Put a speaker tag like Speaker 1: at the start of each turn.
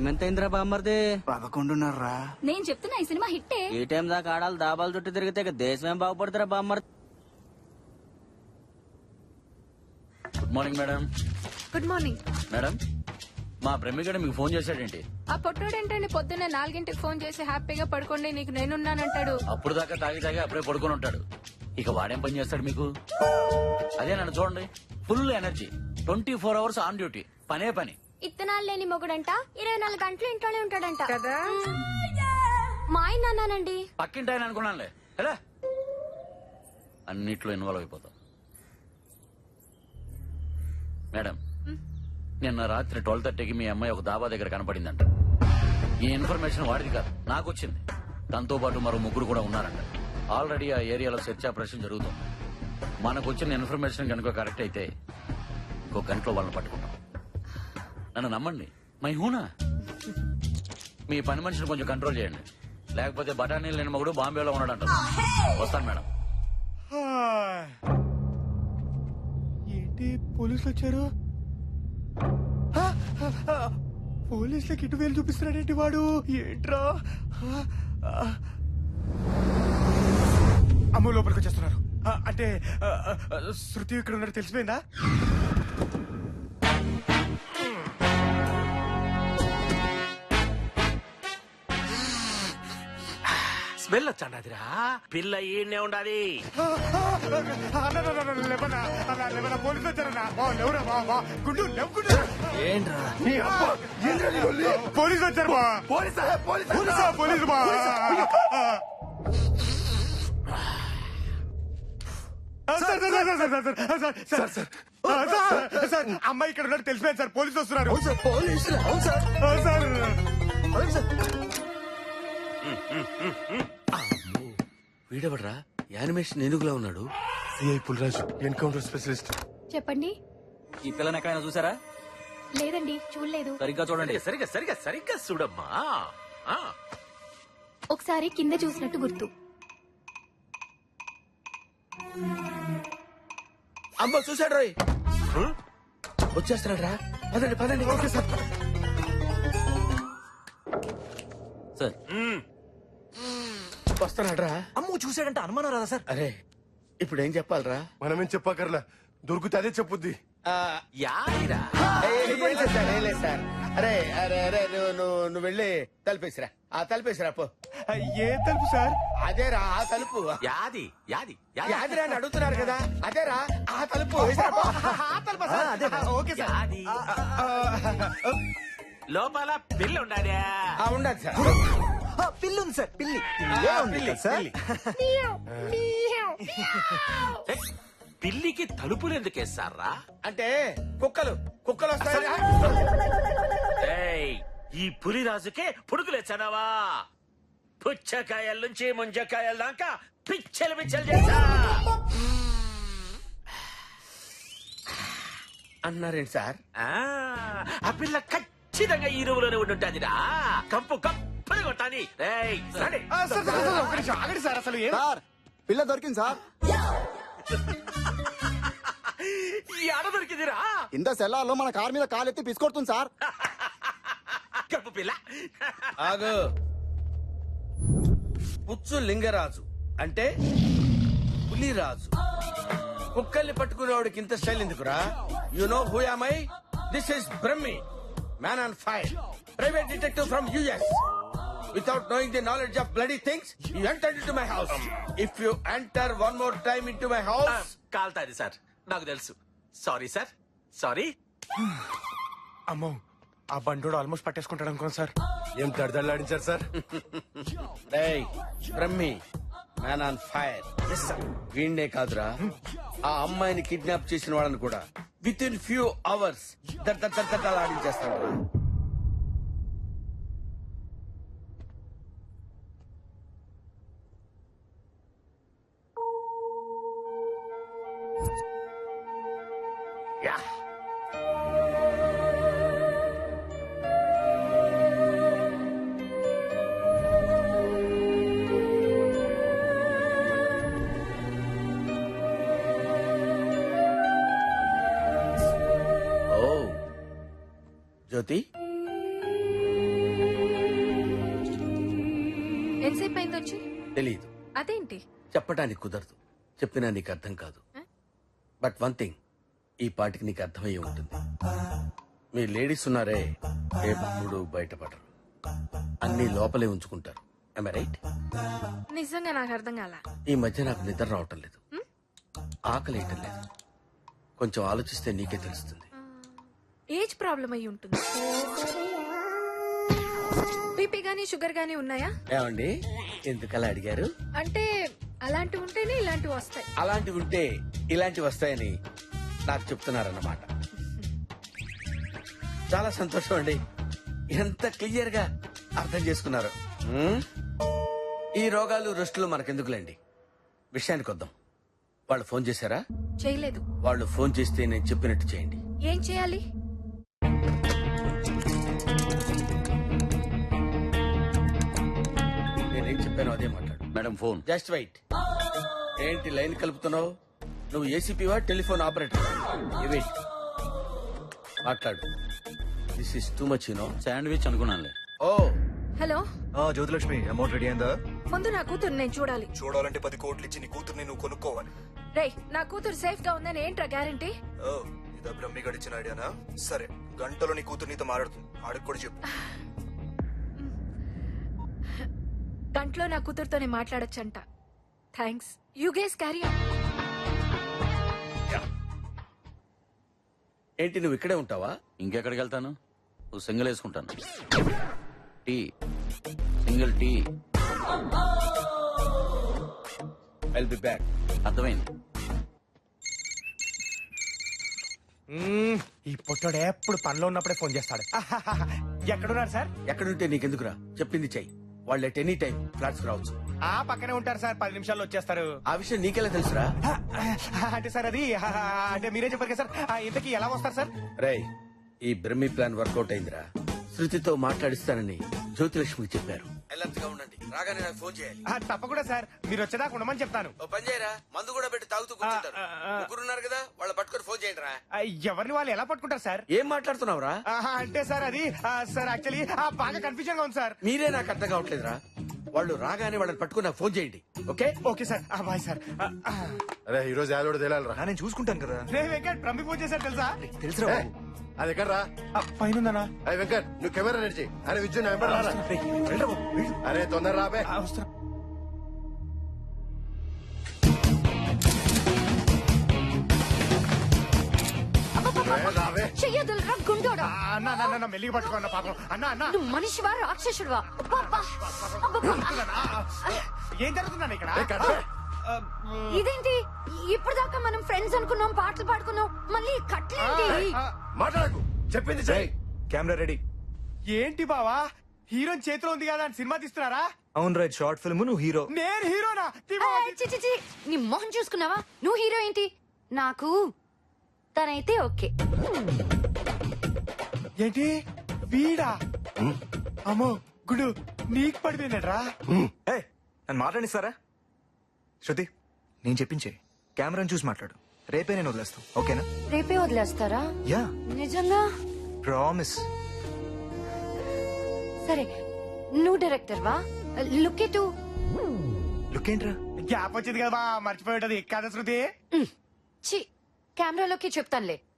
Speaker 1: Time ఎంత అయిందిరా బామ్మర్ది?
Speaker 2: 11:30.
Speaker 3: నేను చెప్తున్నా ఈ సినిమా హిట్టే.
Speaker 1: ఈ టైం దాకా ఆడాలి దాబాలు చుట్టూ తిరిగితే ఇక దేశం ఏం బాగుపడుతురా బామ్మర్ది?
Speaker 4: Good morning madam.
Speaker 5: Good morning.
Speaker 4: Madam మా ప్రేమికుడు మీకు ఫోన్ చేశాడేంటి?
Speaker 5: ఆ పొట్టోడేంటండి పొద్దున్నే 4ంటికి ఫోన్ చేసి హ్యాపీగా పడుకోండి నీకు నేనున్నానంటాడు.
Speaker 4: అప్పుడు దాకా తాగి అప్పుడే పడుకొని ఉంటాడు. ఇక వాడేం పని చేస్తాడు మీకు? అదే నన్ను చూడండి, full energy, 24 hours on duty, పనే పని.
Speaker 3: ఇత్తనాలు లేని మొగుడంట 24 గంటలు ఇంట్లోనే ఉంటాడంట
Speaker 5: కదా.
Speaker 3: మా ఆయన అన్నానండి.
Speaker 4: పక్కింటి ఆయన అనుకున్నానులే. ఎలా అన్నిట్లో ఇన్వాల్వ్ అయిపోతాం. మేడం నిన్న రాత్రి 12:30కి మీ అమ్మాయి ఒక దాబా దగ్గర కనపడిందంట. ఈ ఇన్ఫర్మేషన్ వాడిది కాదు, నాకు వచ్చింది. దాంతో పాటు మరో ముగ్గురు కూడా ఉన్నారంట. ఆల్రెడీ ఆ ఏరియాలో సెర్చ్ ఆపరేషన్ జరుగుతుంది. మనకు వచ్చిన ఇన్ఫర్మేషన్ కనుక కరెక్ట్ అయితే ఇంకో గంటలో వాళ్ళని పట్టుకుంటాం. నన్ను నమ్మండి, మై హూనా. మీ పని మనిషిని కొంచెం కంట్రోల్ చేయండి, లేకపోతే బఠానీలు లేని మగుడు బాంబేలో ఉన్నాడంట. వస్తాను మేడం.
Speaker 2: ఏంటి పోలీసులు వచ్చారు? పోలీసులకి ఇటు వేలు చూపిస్తున్నాడేంటి వాడు? ఏంట్రా? అమ్మ లోపలికి వచ్చేస్తున్నారు. అంటే శృతి ఇక్కడ ఉన్నట్టు తెలిసిపోయిందా?
Speaker 6: స్మెల్ వచ్చాడిరా. పిల్ల ఈయనే ఉండాలి.
Speaker 2: పోలీసులు వచ్చారన్నా. గుండు
Speaker 1: ఏంట్రా
Speaker 2: పోలీసులు వచ్చారు. పోలీసు సార్ అమ్మాయి ఇక్కడ ఉన్నట్టు తెలిసిపోయింది సార్. పోలీసులు వస్తున్నారు.
Speaker 6: వీడెవడ్రా యానిమేషన్ ఏనుగులా ఉన్నాడు?
Speaker 2: CI Pulraju, encounter specialist.
Speaker 3: చెప్పండి.
Speaker 1: ఈ పిల్లని ఎక్కడైనా చూసారా?
Speaker 3: లేదండి, చూడలేదు.
Speaker 1: సరిగ్గా చూడండి.
Speaker 6: సరిగ్గా చూడమ్మా.
Speaker 3: ఒకసారి కింద చూసినట్టు గుర్తు.
Speaker 6: అమ్మ చూసాడు రోయ్, వచ్చేస్తున్నాడు రా. పదండి.
Speaker 2: Okay sir.
Speaker 1: సార్
Speaker 6: వస్తున్నాడు రా.
Speaker 1: అమ్ము చూసాడంటే అనుమానం రాదా సార్?
Speaker 6: అరే ఇప్పుడు ఏం చెప్పాలరా?
Speaker 2: మనమేం చెప్పకర్లా, దొరికితే అదే చెప్పుద్ది.
Speaker 6: యాదిరా
Speaker 7: సార్. అరే అరే అరే నువ్వు వెళ్ళి తలుపేసిరా. తలుపేసిరా పో.
Speaker 2: ఏ తలుపు సార్?
Speaker 7: అదేరా ఆ తలుపు.
Speaker 6: యాది
Speaker 7: యాదిరా అని అడుగుతున్నారు కదా, అదేరా ఆ తలుపు. వేసిరా పో. ఆ తలుపా సార్? Okay sir.
Speaker 6: యాది లోపల పిల్ల ఉండాలి.
Speaker 7: ఉండదు సార్.
Speaker 1: పిల్లుంది సార్, పిల్లి.
Speaker 6: పిల్లికి తలుపులు ఎందుకు వేస్తారా?
Speaker 7: అంటే కుక్కలు వస్తాయి.
Speaker 6: ఏయ్, ఈ పులిరాజుకే పుడుకులేచ్చానావా? పుచ్చకాయల నుంచి ముంజకాయల దాకా పిచ్చలు చేశా
Speaker 7: అన్నారేంటి సార్?
Speaker 6: ఆ పిల్ల ఖచ్చితంగా ఈ రూములోనే ఉండుంటాదిరా. కంపు కప్పని కొట్టాలి.
Speaker 2: ఆగండి సార్. అసలు
Speaker 7: పిల్ల దొరికింది సార్.
Speaker 6: ఆడ దొరికిందిరా.
Speaker 7: ఇంత సెల్లార్లో మన కార్ మీద కాలెత్తి పిసుకొడుతుంది సార్.
Speaker 6: కప్పు పిల్ల.
Speaker 7: ఆగు. పుచ్చు లింగరాజు అంటే పులిరాజు. కుక్కల్ని పట్టుకునేవాడికి ఇంత స్టైల్ ఎందుకురా? You know who am I? This is Brahmi, man on fire, private detective from US. Without knowing the knowledge of bloody things, you entered into my house. If you enter one more time into my house,
Speaker 6: కాల్తాది sir, నాకు తెలుసు. Sorry sir, sorry.
Speaker 2: అమ్మో, ఆ బండోడు almost పట్టేసుకుంటాడు అనుకోండి sir. ఏం దడదడలాడించారు sir?
Speaker 7: Brahmi, man on fire. వీణ్ణే కాదురా, ఆ అమ్మాయిని కిడ్నాప్ చేసిన వాళ్ళని కూడా విత్ ఇన్ ఫ్యూ అవర్స్ ఆడించేస్తాడు. జ్యోతి, తెలీదు.
Speaker 5: అదేంటి?
Speaker 7: చెప్పడానికి కుదరదు. చెప్పినా నీకు అర్థం కాదు. బట్ వన్ థింగ్, ఈ పాటికి నీకు అర్థమయ్యే ఉంటుంది. మీ లేడీస్ ఉన్నారే, ఎప్పుడు బయటపడరు, అన్ని లోపలే ఉంచుకుంటారు. Am I right?
Speaker 5: నిజంగా నాకు అర్థం కాల.
Speaker 7: ఈ మధ్య నాకు నిద్ర రావటం లేదు, ఆకలి వేయటం లేదు. కొంచెం ఆలోచిస్తే నీకే తెలుస్తుంది.
Speaker 5: ఏజ్ ప్రాబ్లం అయి ఉంటుంది. బీపీ గానీ షుగర్ గానీ ఉన్నాయా?
Speaker 7: ఏమండి ఎందుకలా అడిగారు?
Speaker 5: అంటే అలాంటివి ఉంటేనే ఇలాంటివి వస్తాయి.
Speaker 7: అలాంటివి ఉంటే ఇలాంటివి వస్తాయని నాకు చెప్తున్నారన్నమాట. చాలా సంతోషం అండి, ఎంత క్లియర్ గా అర్థం చేసుకున్నారు. ఈ రోగాలు రెస్టులు మనకెందుకులేండి, విషయానికి వద్దాం. వాళ్ళు ఫోన్ చేశారా?
Speaker 5: చేయలేదు.
Speaker 7: వాళ్ళు ఫోన్ చేస్తే నేను చెప్పినట్టు చేయండి.
Speaker 5: ఏం చేయాలి?
Speaker 7: నేనేం చెప్పానో అదే మాట్లాడు.
Speaker 4: Madam phone.
Speaker 7: Just wait. ఏంటి లైన్ కలుపుతున్నావు? నువ్వు ఏసీపీవా టెలిఫోన్ ఆపరేటర్? వెయిట్, మాట్లాడు. This is too much you know.
Speaker 4: Sandwich అనుకున్నానులే.
Speaker 7: Oh
Speaker 5: hello,
Speaker 8: Jyothilakshmi, amount ready అయిందా?
Speaker 5: ముందు నా కూతురు నేను చూడాలి.
Speaker 8: చూడాలంటే 10 కోట్లు ఇచ్చి నీ కూతుర్ని నువ్వు కొనుక్కోవాలి.
Speaker 5: రేయ్, నా కూతురు సేఫ్ గా ఉందని ఏంట్రా గ్యారంటీ?
Speaker 8: ఓ, ఇదా బ్రహ్మి గడిచిన ఐడియానా? సరే, గంటలో నీ కూతురు నీతో మాట్లాడుతుంది, ఆడికి కూడా చెప్పు.
Speaker 5: గంటలో నా కూతురుతోనే మాట్లాడొచ్చంట. Thanks. You guys carry on.
Speaker 7: ఏంటి నువ్వు ఇక్కడే ఉంటావా?
Speaker 4: ఇంకెక్కడికి వెళ్తాను? నువ్వు సింగిల్ వేసుకుంటాను. Tea, single tea.
Speaker 7: I'll be back.
Speaker 4: అర్థమైంది.
Speaker 2: ఈ పొట్టోడు ఎప్పుడు పనిలో ఉన్నప్పుడే ఫోన్ చేస్తాడు. ఎక్కడున్నారు సార్?
Speaker 7: ఎక్కడుంటే నీకెందుకురా, చెప్పింది చెయ్యి. వాళ్ళు ఎట్ ఎనీ టైం ఫ్లాట్స్ రావచ్చు.
Speaker 2: ఆ పక్కనే ఉంటారు సార్, 10 నిమిషాల్లో వచ్చేస్తారు.
Speaker 7: ఆ విషయం నీకెలా తెలుసురా?
Speaker 2: అంటే సార్ అది అంటే మీరే చెప్పారు కదా సార్. ఇంతకీ ఎలా వస్తారు సార్?
Speaker 7: రేయ్, ఈ బ్రహ్మి ప్లాన్ వర్కౌట్ అయిందిరా. శృతితో మాట్లాడిస్తానని జ్యోతిలక్ష్మికి చెప్పారు. అలర్ట్ గా ఉండండి, రాగానే నాకు ఫోన్ చేయాలి.
Speaker 2: తప్పకుండా సార్, మీరు వచ్చేదాకా ఉండమని చెప్తాను.
Speaker 7: ఓ పని చేయరా, మందు కూడా పెట్టి తాగుతూ కూర్చుంటారు. ముగ్గురున్నారు కదా, వాళ్ళు పట్టుకొని ఫోన్ చేయండి రా.
Speaker 2: ఎవరిని వాళ్ళు ఎలా పట్టుకుంటారు సార్?
Speaker 7: ఏం మాట్లాడుతున్నావురా?
Speaker 2: అంటే సార్ అది సార్ యాక్చువల్లీ బాగా కన్ఫ్యూజన్ గా ఉంది సార్.
Speaker 7: మీరే నాకు అర్థం కావట్లేదురా. వాళ్ళు రాగానే వాళ్ళని పట్టుకుని నాకు ఫోన్ చేయండి. Okay
Speaker 2: okay sir. Bye sir.
Speaker 9: అరే ఈ రోజు యాదోడు తేలాలరా.
Speaker 8: నేను చూసుకుంటాను కదా.
Speaker 2: రే వెంకట్, ప్రమి ఫోన్ చేశారు తెలుసా?
Speaker 8: తెలుసురా?
Speaker 9: అది ఎక్కడ రా?
Speaker 2: పైన ఉందన్నా.
Speaker 9: అరే వెంకట్, నువ్వు కెమెరా రెడీ చేయి. అరే విద్యుత్ నా వెంబడి రారా. అరే తొందర రాబే. రాబే.
Speaker 3: చెయ్యదులరా గుండోడా.
Speaker 2: అన్న మెల్లిగా పట్టుకోన్న పాపం. అన్న అన్న
Speaker 3: నువ్వు మనిషివా రాక్షసుడివా? అబ్బబ్బా, అబ్బబ్బా.
Speaker 2: ఏం జరుగుతుందన్న ఇక్కడ?
Speaker 9: ఏ, కట్.
Speaker 3: ఇదేంటి ఇప్పుడు దాకా మనం ఫ్రెండ్స్ అనుకున్నాం, పాటలు పాడుకున్నాం, మళ్ళీ కట్లేంటి?
Speaker 9: మాట్లాడకు, చెప్పింది చెయ్యి.
Speaker 8: Camera ready.
Speaker 2: ఏంటి బావా, హీరోయిన్ చేతిలో ఉంది కదా అని సినిమా తీస్తున్నారా?
Speaker 8: అవును రైట్, షార్ట్ ఫిల్మ్, నువ్వు హీరో.
Speaker 2: నేను హీరోనా?
Speaker 3: ఏయ్, చి, చి, చి. నీ మొహం చూసుకున్నావా? నువ్వు హీరో ఏంటి? నాకు తనైతే ఓకే.
Speaker 2: ఏంటి వీడా? అమ్మో గుడు, నీకు పడిపోయినట్రా.
Speaker 8: నన్ను మాట్లాడిస్తారా? శృతి, నేను చెప్పించే కెమెరాని చూసి మాట్లాడు. రేపే నేను వదిలేస్తాను, ఓకేనా?
Speaker 3: రేపే వదిలేస్తారా?
Speaker 8: యా,
Speaker 3: నిజంగా?
Speaker 8: ప్రామిస్.
Speaker 3: సరే, నువ్వు డైరెక్టర్ వా? లుక్ ఎటు.
Speaker 8: లుక్ ఏంట్రా?
Speaker 2: గ్యాప్ వచ్చింది కదా, మర్చిపోయి ఉంటది కదా శృతి.
Speaker 3: చి, కెమెరాలోకి చెప్తానులే.